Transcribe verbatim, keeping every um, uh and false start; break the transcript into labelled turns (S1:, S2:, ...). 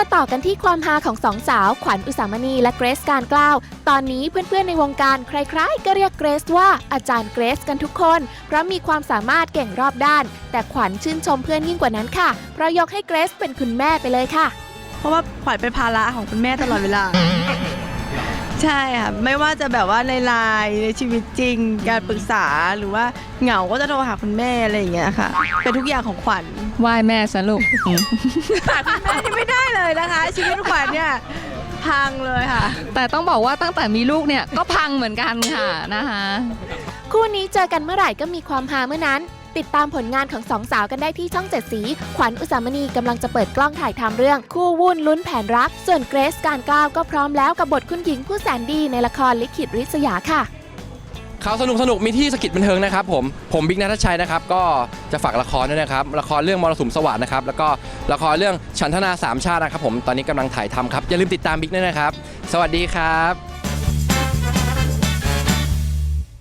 S1: มาต่อกันที่ความฮาของสองสาวขวัญอุสามณีและเกรซการกล้าวตอนนี้เพื่อนๆในวงการใครๆก็เรียกเกรซว่าอาจารย์เกรซกันทุกคนเพราะมีความสามารถเก่งรอบด้านแต่ขวัญชื่นชมเพื่อนยิ่งกว่านั้นค่ะเพราะยกให้เกรซเป็นคุณแม่ไปเลยค่ะ
S2: เพราะว่าขวัญเป็นภาระของคุณแม่ตลอดเวลา ใช่ค่ะไม่ว่าจะแบบว่าในไลน์ในชีวิตจริงการปรึกษาหรือว่าเหงาก็จะโทรหาคุณแม่อะไรอย่างเงี้ยค่ะเป็นทุกอย่างของขวัญ
S3: ไหว้แม่ซะลูก
S2: ขาดคุณแม่นี่ไม่ได้เลยนะคะ ชีวิตขวัญเนี่ยพังเลยค่ะ
S3: แต่ต้องบอกว่าตั้งแต่มีลูกเนี่ยก็พังเหมือนกันค่ะนะคะ
S1: คู่นี้เจอกันเมื่อไหร่ก็มีความฮาเมื่อนั้นติดตามผลงานของสองสาวกันได้ที่ช่องเจ็ดสีขวัญอุสามณีกำลังจะเปิดกล้องถ่ายทำเรื่องคู่วุ่นลุ้นแผนรักส่วนเกรซการกล้าวก็พร้อมแล้วกับบทคุณหญิงผู้แสนดีในละครลิขิตริษยาค่ะ
S4: ข่าวสนุกสนุกมีที่สกิจบันเทิงนะครับผมผมบิ๊กณัฐชัยนะครับก็จะฝากละครด้วยนะครับละครเรื่องมรสุมสวัสดิ์นะครับแล้วก็ละครเรื่องฉันทนาสามชาตินะครับผมตอนนี้กำลังถ่ายทำครับอย่าลืมติดตามบิ๊กด้วยนะครับสวัสดีครับ